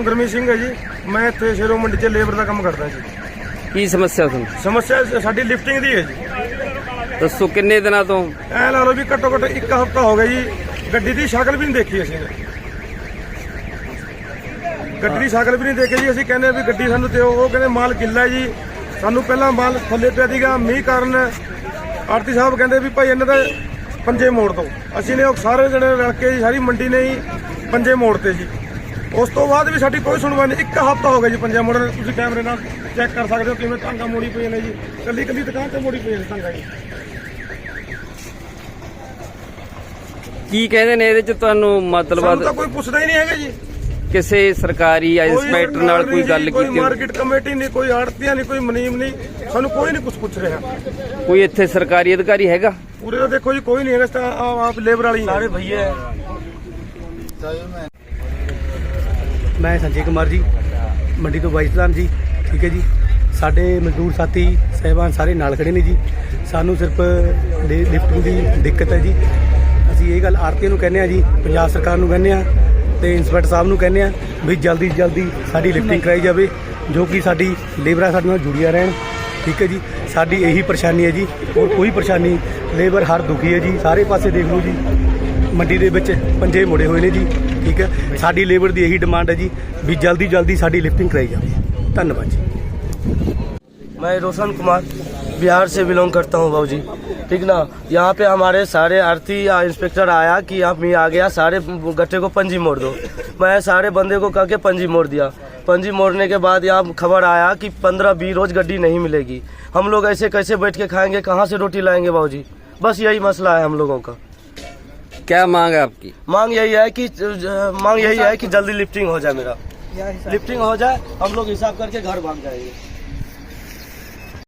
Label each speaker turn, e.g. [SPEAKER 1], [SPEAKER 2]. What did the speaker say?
[SPEAKER 1] ਨਾਮ ਗੁਰਮੀਤ ਸਿੰਘ ਹੈ ਜੀ। ਮੈਂ ਇੱਥੇ ਸ਼ੇਰੋ ਮੰਡੀ 'ਚ ਲੇਬਰ ਦਾ ਕੰਮ ਕਰਦਾ ਜੀ।
[SPEAKER 2] ਕੀ ਸਮੱਸਿਆ ਤੁਹਾਨੂੰ?
[SPEAKER 1] ਸਮੱਸਿਆ ਸਾਡੀ ਲਿਫਟਿੰਗ ਦੀ ਹੈ ਜੀ।
[SPEAKER 2] ਦੱਸੋ ਕਿੰਨੇ ਦਿਨਾਂ ਤੋਂ?
[SPEAKER 1] ਐ ਲਾ ਲਓ ਵੀ ਘੱਟੋ ਘੱਟ 1 ਹਫ਼ਤਾ ਹੋ ਗਿਆ ਜੀ। ਗੱਡੀ ਦੀ ਸ਼ਕਲ ਵੀ ਨਹੀਂ ਦੇਖੀ ਅਸੀਂ ਨੇ। ਗੱਡੀ ਦੀ ਸ਼ਕਲ ਵੀ ਨਹੀਂ ਦੇਖੀ ਜੀ। ਅਸੀਂ ਕਹਿੰਦੇ ਵੀ ਗੱਡੀ ਸਾਨੂੰ ਦਿਓ, ਉਹ ਕਹਿੰਦੇ ਮਾਲ ਗਿੱਲਾ ਜੀ। ਸਾਨੂੰ ਪਹਿਲਾਂ ਮਾਲ ਥੱਲੇ ਪਿਆ ਸੀਗਾ ਮੀਂਹ ਕਾਰਨ। ਆੜਤੀ ਸਾਹਿਬ ਕਹਿੰਦੇ ਵੀ ਭਾਈ ਇਹਨਾਂ ਦੇ ਪੰਜੇ ਮੋੜ ਦਿਓ। ਅਸੀਂ ਨੇ ਉਹ ਸਾਰੇ ਜਣੇ ਰਲ ਕੇ ਜੀ ਸਾਰੀ ਮੰਡੀ ਨੇ ਹੀ ਪੰਜੇ ਮੋੜਤੇ ਜੀ। ਉਸ ਤੋਂ ਬਾਅਦ ਵੀ ਸਾਡੀ ਕੋਈ ਸੁਣਵਾਈ ਨਹੀਂ। 1 ਹਫ਼ਤਾ ਹੋ ਗਿਆ ਜੀ ਪੰਜੇ ਮੋੜਨ। ਤੁਸੀਂ ਕੈਮਰੇ ਨਾਲ ਚੈੱਕ ਕਰ ਸਕਦੇ ਹੋ ਕਿਵੇਂ ਟਾਂਗਾ ਮੋੜੀ ਪਈਆਂ ਨੇ ਜੀ। ਕੱਲੀ ਕੱਲੀ ਦੁਕਾਨ ਤੇ ਮੋੜੀ ਪਈਆਂ ਨੇ ਟਾਂਗਾ ਜੀ।
[SPEAKER 2] ਕੀ ਕਹਿੰਦੇ ਨੇ ਇਹਦੇ ਚ ਤੁਹਾਨੂੰ?
[SPEAKER 1] ਸਾਨੂੰ ਤਾਂ
[SPEAKER 2] ਮਤਲਬ
[SPEAKER 1] ਕੋਈ ਪੁੱਛਦਾ ਹੀ ਨਹੀਂ ਹੈਗਾ ਜੀ।
[SPEAKER 2] ਕਿਸੇ ਸਰਕਾਰੀ ਜਾਂ ਇੰਸਪੈਕਟਰ ਨਾਲ ਕੋਈ ਗੱਲ
[SPEAKER 1] ਕੋਈ
[SPEAKER 2] ਕੀਤੀ?
[SPEAKER 1] ਮਾਰਕੀਟ ਕਮੇਟੀ ਨਹੀਂ, ਕੋਈ ਆੜਤੀਆਂ ਨਹੀਂ, ਕੋਈ ਮੁਨੀਮ ਨਹੀਂ। ਸਾਨੂੰ ਕੋਈ ਨਹੀਂ ਕੁਝ ਪੁੱਛ ਰਿਹਾ।
[SPEAKER 2] ਕੋਈ ਇੱਥੇ ਸਰਕਾਰੀ ਅਧਿਕਾਰੀ ਹੈਗਾ?
[SPEAKER 1] ਪੂਰੇ ਦਾ ਦੇਖੋ ਜੀ ਕੋਈ ਨਹੀਂ ਹੈਗਾ। ਆਪ ਲੇਬਰ ਵਾਲੀ ਸਾਰੇ ਭਈਏ।
[SPEAKER 3] मैं संजय कुमार जी मंडी तो वाइस प्रधान जी। ठीक है जी। साडे मजदूर साथी साहिबान सारे नाल खड़े ने जी। सानू सिर्फ लिफ्टिंग की दिक्कत है जी। असीं ये गल आरती नूं कहने जी, पंजाब सरकार नूं कहने ते इंस्पैक्टर साहब नूं कहने भी जल्दी जल्दी साडी लिफ्टिंग कराई जाए, जो कि साडी लेबरां साडे नाल जुड़ियां रहन। ठीक है जी। साडी यही परेशानी है जी, और कोई परेशानी। लेबर हर दुखी है जी। सारे पासे देख लो जी, मंडी दे विच पंजे मुड़े हुए ने जी। ठीक है। साडी लेबर की यही डिमांड है जी भी जल्दी जल्दी साडी लिफ्टिंग कराई जाए। धन्यवाद जी।
[SPEAKER 4] मैं रोशन कुमार बिहार से बिलोंग करता हूँ बाबू जी। ठीक ना। यहाँ पे हमारे सारे आरती इंस्पेक्टर आया कि आप मैं आ गया, सारे गट्टे को पंजी मोड़ दो। मैं सारे बंदे को कह के पंजी मोड़ दिया। पंजी मोड़ने के बाद यहाँ खबर आया कि 15-20 रोज गड्डी नहीं मिलेगी। हम लोग ऐसे कैसे बैठ के खाएंगे, कहाँ से रोटी लाएंगे बाबू जी? बस यही मसला है हम लोगों का।
[SPEAKER 2] क्या मांग है आपकी?
[SPEAKER 4] मांग यही है कि जल्दी लिफ्टिंग हो जाए। मेरा लिफ्टिंग हो जाए, हम लोग हिसाब करके घर भाग जाएंगे।